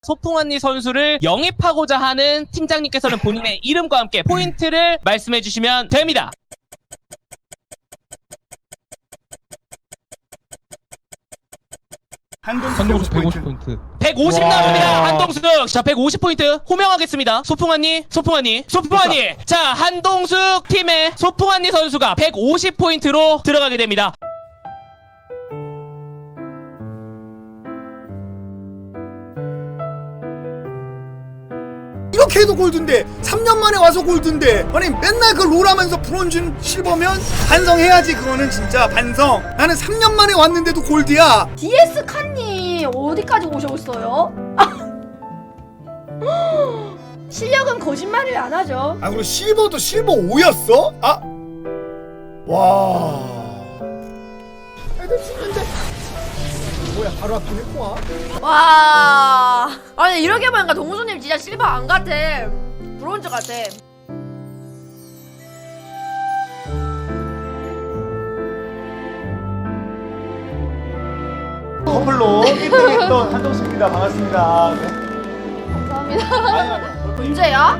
소풍언니 선수를 영입하고자 하는 팀장님께서는 본인의 이름과 함께 포인트를 말씀해 주시면 됩니다. 한동숙 150포인트. 150 나옵니다. 한동숙. 자, 150포인트 호명하겠습니다. 소풍언니. 자, 한동숙 팀의 소풍언니 선수가 150포인트로 들어가게 됩니다. 이렇게 해도 골드인데 3년 만에 와서 골드인데 아니 맨날 그 롤하면서 브론즈 실버면 반성해야지. 그거는 진짜 반성. 나는 3년 만에 왔는데도 골드야. DS 칸님 어디까지 오셨어요? 실력은 거짓말을 안 하죠. 아 그리고 실버도 실버 5였어? 아 와. 애들 죽는데 뭐야 바로 앞에 꼬아. 와, 아니 이렇게 보니까 동수님 진짜 실버 안 같아. 브론즈 같아. 커플로 1등했던 한동숙입니다. 반갑습니다. 네. 감사합니다. 언제야?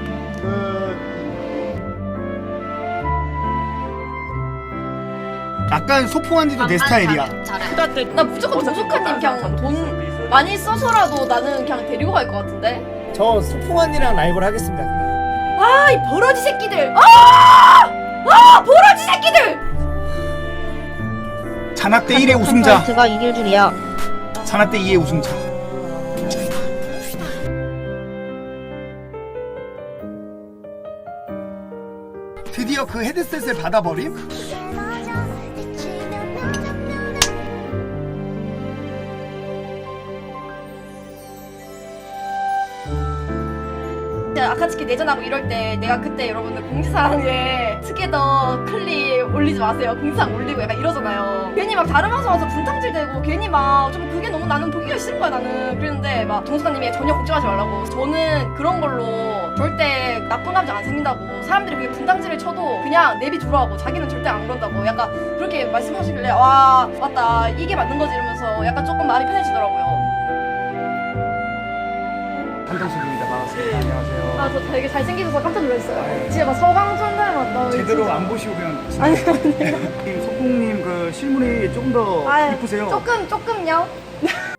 약간 소풍한지도 내 스타일이야. 나 무조건 동수카님 그냥 돈 많이 써서라도 나는 그냥 데리고 갈 것 같은데. 저 소풍언니랑 라이브를 하겠습니다. 아, 이 버러지 새끼들. 아, 버러지 새끼들. 잔압대 1의 우승자. 가 이길 줄이야. 잔압대 2의 우승자. 드디어 그 헤드셋을 받아버림? 아카츠키 내전하고 이럴 때 내가 그때 여러분들 공지사항에 투게더 클립 올리지 마세요. 공지사항 올리고 약간 이러잖아요. 괜히 막 다른 방송 와서 분탕질 되고 괜히 막 좀 그게 너무 나는 보기가 싫은 거야 나는. 그랬는데 막 동수사님이 전혀 걱정하지 말라고. 저는 그런 걸로 절대 나쁜 감정 안 생긴다고. 사람들이 그게 분탕질을 쳐도 그냥 내비 돌아오고 자기는 절대 안 그런다고 약간 그렇게 말씀하시길래 와 맞다 이게 맞는 거지 이러면서 약간 조금 마음이 편해지더라고요. 한동숙입니다. 반갑습니다. 안녕하세요. 아, 저 되게 잘생기셔서 깜짝 놀랐어요. 진짜 막 서강선 닮았다. 제대로 진짜. 안 보시고 그냥 아니, 소풍님 그 실물이 조금 더 아유, 이쁘세요. 조금요?